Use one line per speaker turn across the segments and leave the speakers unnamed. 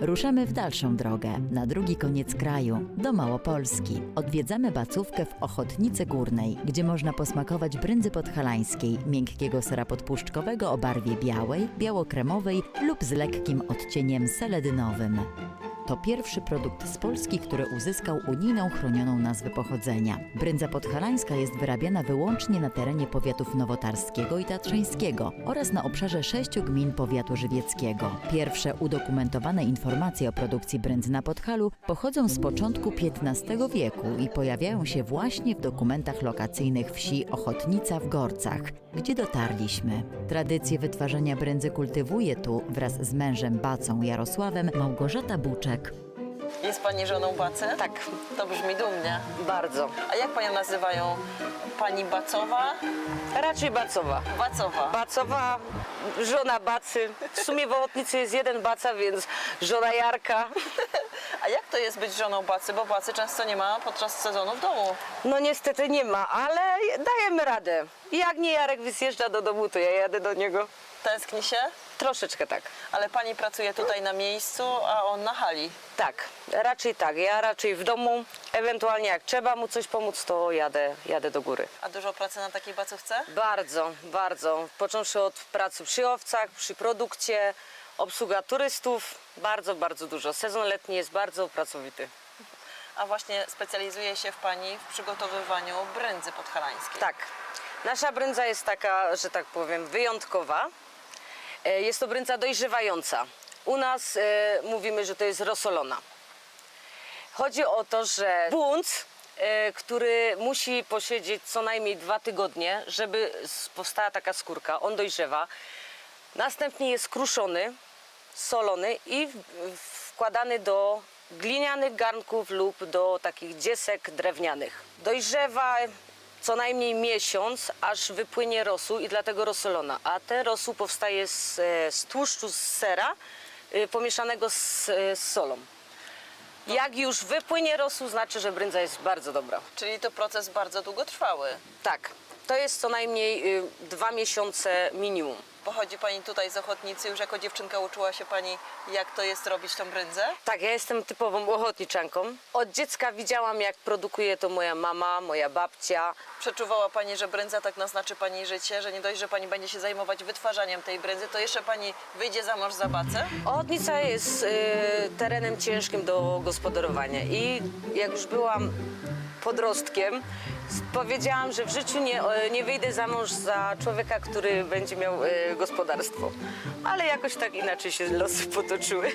Ruszamy w dalszą drogę, na drugi koniec kraju, do Małopolski. Odwiedzamy bacówkę w Ochotnicy Górnej, gdzie można posmakować brędzy podhalańskiej, miękkiego sera podpuszczkowego o barwie białej, biało-kremowej lub z lekkim odcieniem seledynowym. To pierwszy produkt z Polski, który uzyskał unijną chronioną nazwę pochodzenia. Brędza podhalańska jest wyrabiana wyłącznie na terenie powiatów nowotarskiego i tatrzańskiego oraz na obszarze 6 gmin powiatu żywieckiego. Pierwsze udokumentowane informacje o produkcji brędzy na Podhalu pochodzą z początku XV wieku i pojawiają się właśnie w dokumentach lokacyjnych wsi Ochotnica w Gorcach, gdzie dotarliśmy. Tradycję wytwarzania brędzy kultywuje tu wraz z mężem bacą Jarosławem Małgorzata Buczek.
Jest pani żoną Bacy?
Tak,
To brzmi dumnie.
bardzo.
A jak panią nazywają? Pani Bacowa?
Raczej Bacowa.
Bacowa.
Bacowa, żona Bacy. W sumie w Ochotnicy jest jeden Baca, więc żona Jarka.
A jak to jest być żoną Bacy? Bo Bacy często nie ma podczas sezonu w domu.
No niestety nie ma, ale dajemy radę. Jak nie Jarek zjeżdża do domu, to ja jadę do niego.
Tęskni się?
Troszeczkę tak.
Ale pani pracuje tutaj na miejscu, a on na hali.
Tak, raczej tak. Ja raczej w domu, ewentualnie jak trzeba mu coś pomóc, to jadę do góry.
A dużo pracy na takiej bacówce?
Bardzo, bardzo. Począwszy od pracy przy owcach, przy produkcie, obsługa turystów, bardzo, bardzo dużo. Sezon letni jest bardzo pracowity.
A właśnie specjalizuje się pani w przygotowywaniu brędzy podhalańskiej.
Tak, nasza brędza jest taka, że tak powiem, wyjątkowa. Jest to brędza dojrzewająca. U nas mówimy, że to jest rosolona. Chodzi o to, że bunt, który musi posiedzieć co najmniej 2 tygodnie, żeby powstała taka skórka, on dojrzewa. Następnie jest kruszony, solony i wkładany do glinianych garnków lub do takich dziesek drewnianych. Dojrzewa co najmniej miesiąc, aż wypłynie rosół i dlatego rosolona. A ten rosół powstaje z tłuszczu z sera pomieszanego z solą. Jak już wypłynie rosół, znaczy, że brędza jest bardzo dobra.
Czyli to proces bardzo długotrwały.
Tak, to jest co najmniej 2 miesiące minimum.
Pochodzi pani tutaj z Ochotnicy, już jako dziewczynka uczyła się pani, jak to jest robić tą brędzę?
Tak, ja jestem typową ochotniczanką. Od dziecka widziałam, jak produkuje to moja mama, moja babcia.
Przeczuwała pani, że brędza tak naznaczy pani życie, że nie dość, że pani będzie się zajmować wytwarzaniem tej brędzy, to jeszcze pani wyjdzie za mąż za Bacę?
Ochotnica jest terenem ciężkim do gospodarowania i jak już byłam podrostkiem, powiedziałam, że w życiu nie wyjdę za mąż za człowieka, który będzie miał gospodarstwo. Ale jakoś tak inaczej się losy potoczyły.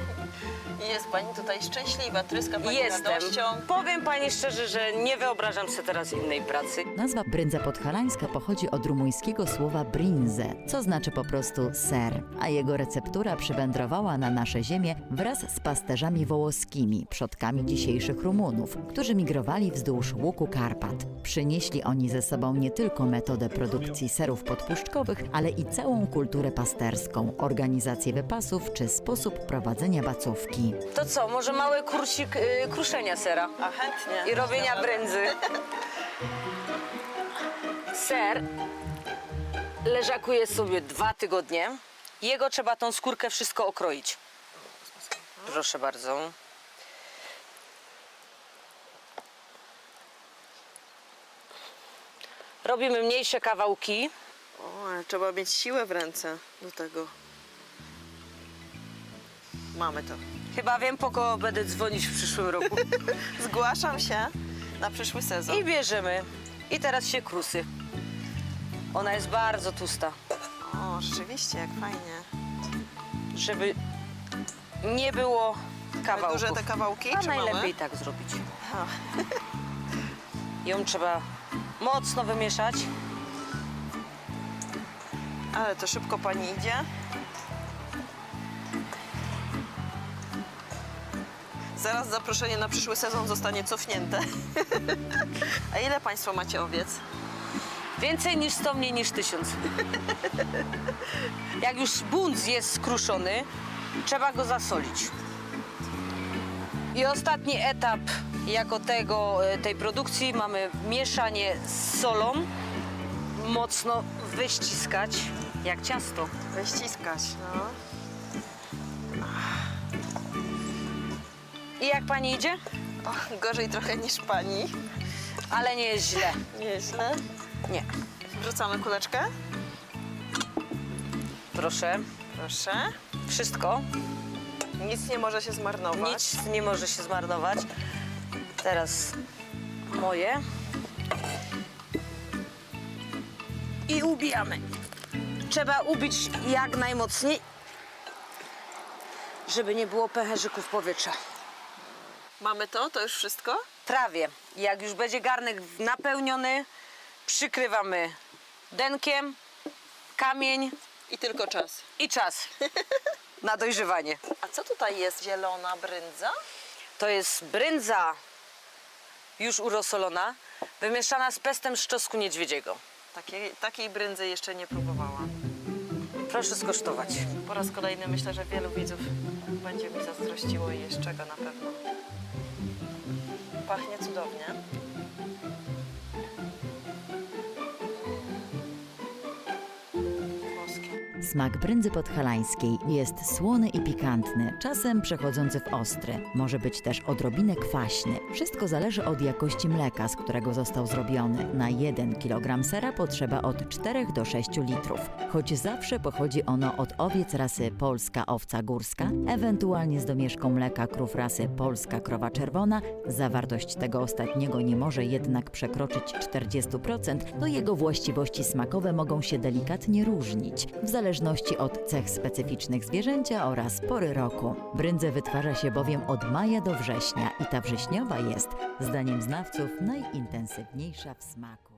I jest pani tutaj szczęśliwa, tryska pani
Jestem.
radością.
Powiem pani szczerze, że nie wyobrażam sobie teraz innej pracy.
Nazwa brędza podhalańska pochodzi od rumuńskiego słowa brinze, co znaczy po prostu ser, a jego receptura przywędrowała na nasze ziemię wraz z pasterzami wołoskimi, przodkami dzisiejszych Rumunów, którzy migrowali wzdłuż łuku Karpat. Przynieśli oni ze sobą nie tylko metodę produkcji serów podpuszczkowych, ale i całą kulturę pasterską, organizację wypasów czy sposób prowadzenia bacówki.
To co, może mały kursik kruszenia sera
A chętnie.
i robienia
Dobra.
brędzy. Ser leżakuje sobie 2 tygodnie. Jego trzeba tą skórkę wszystko okroić. Proszę bardzo. Robimy mniejsze kawałki.
O, ale trzeba mieć siłę w ręce do tego. Mamy to.
Chyba wiem, po kogo będę dzwonić w przyszłym roku.
Zgłaszam się na przyszły sezon.
I bierzemy. I teraz się krusy. Ona jest bardzo tłusta,
O, rzeczywiście, jak fajnie.
żeby nie było kawałków.
Duże te kawałki,
A
czy
najlepiej
małe?
tak zrobić.
A.
Ją trzeba mocno wymieszać.
Ale to szybko pani idzie. Zaraz zaproszenie na przyszły sezon zostanie cofnięte. A ile państwo macie owiec?
Więcej niż 100, mniej niż 1000. Jak już bunt jest skruszony, trzeba go zasolić. I ostatni etap jako tej produkcji mamy mieszanie z solą. Mocno wyściskać, jak ciasto.
Wyściskać, no.
I jak pani idzie?
O, gorzej trochę niż pani.
Ale nie jest źle.
Nieźle.
Nie.
Wrzucamy kuleczkę.
Proszę.
Proszę.
Wszystko.
Nic nie może się zmarnować.
Nic nie może się zmarnować. Teraz moje. I ubijamy. Trzeba ubić jak najmocniej, żeby nie było pęcherzyków powietrza.
Mamy to? To już wszystko?
Prawie. Jak już będzie garnek napełniony, przykrywamy denkiem, kamień
I tylko czas.
i czas na dojrzewanie.
A co tutaj jest? Zielona bryndza?
To jest bryndza już urosolona, wymieszana z pestem z czosnku niedźwiedziego.
Takiej bryndzy jeszcze nie próbowałam.
Proszę skosztować.
Po raz kolejny myślę, że wielu widzów będzie mi zazdrościło i jest czego na pewno. Pachnie cudownie. Włoskie.
Smak brędzy podhalańskiej jest słony i pikantny, czasem przechodzący w ostry. Może być też odrobinę kwaśny. Wszystko zależy od jakości mleka, z którego został zrobiony. Na 1 kg sera potrzeba od 4 do 6 litrów. Choć zawsze pochodzi ono od owiec rasy polska owca górska, ewentualnie z domieszką mleka krów rasy polska krowa czerwona, zawartość tego ostatniego nie może jednak przekroczyć 40%, to jego właściwości smakowe mogą się delikatnie różnić, w zależności od cech specyficznych zwierzęcia oraz pory roku. Bryndzę wytwarza się bowiem od maja do września i ta wrześniowa jest, zdaniem znawców, najintensywniejsza w smaku.